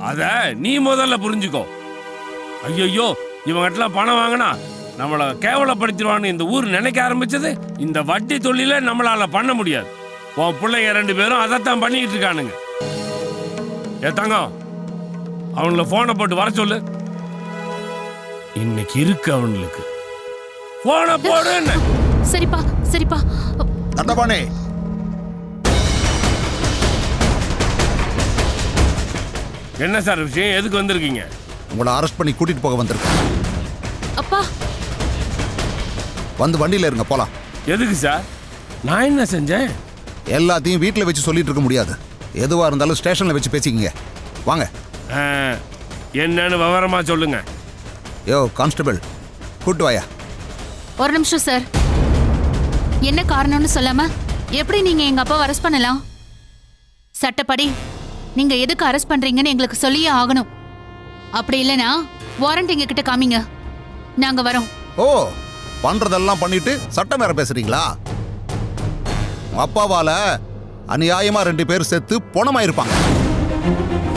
அத நீ முதல்ல புரிஞ்சுக்கோ. ஐயோ, இவங்ககிட்ட பணம் வாங்கினா நம்மளை கேவலப்படுத்திடுவான்னு இந்த ஊர் நினைக்க ஆரம்பிச்சது இந்த வட்டி தொழில நம்மளால பண்ண முடியாது. உன் பிள்ளைங்க 2 பேரும் அதைத்தான் பண்ணிக்கிட்டு இருக்கானுங்க. தங்கம், அவங்கள போனை போட்டு வர சொல்லு. இன்னைக்கு இருக்கு அவங்களுக்கு. போனை போடு. சரிப்பா சரிப்பா. தண்டபாணி, என்ன சார் விஷயம்? எதுக்கு வந்திருக்கீங்க? உங்களை அரெஸ்ட் பண்ணி கூட்டிட்டு போக வந்திருக்கேன். அப்பா வந்து வண்டியில இருங்க, போலாம். எதுக்கு சார்? நான் என்ன செஞ்சேன்? எல்லாத்தையும் வீட்டில் வச்சு சொல்லிட்டு இருக்க முடியாது. எதுவா இருந்தாலும் ஸ்டேஷன்ல வச்சு பேசிக்கிங்க. வாங்க. என்னன்னு விவரமா சொல்லுங்க. யோ கான்ஸ்டபிள், கூட்டு வாயா. ஒரு நிமிஷம் சார். என்ன காரணம்னு சொல்லாம எப்படி நீங்க எங்க அப்பாவை அரெஸ்ட் பண்ணலாம்? சட்டப்படி நீங்க எதுக்கு அரெஸ்ட் பண்றீங்கன்னு எங்களுக்கு சொல்லியே ஆகணும். அப்படி இல்லைன்னா வாரண்ட் எங்க கிட்ட காமிங்க, நாங்க வரோம். ஓ, பண்றதெல்லாம் பண்ணிட்டு சட்டம் வேற பேசுறீங்களா? உங்க அப்பாவால அநியாயமா 2 பேர் செத்து பொணமாயிருப்பாங்க.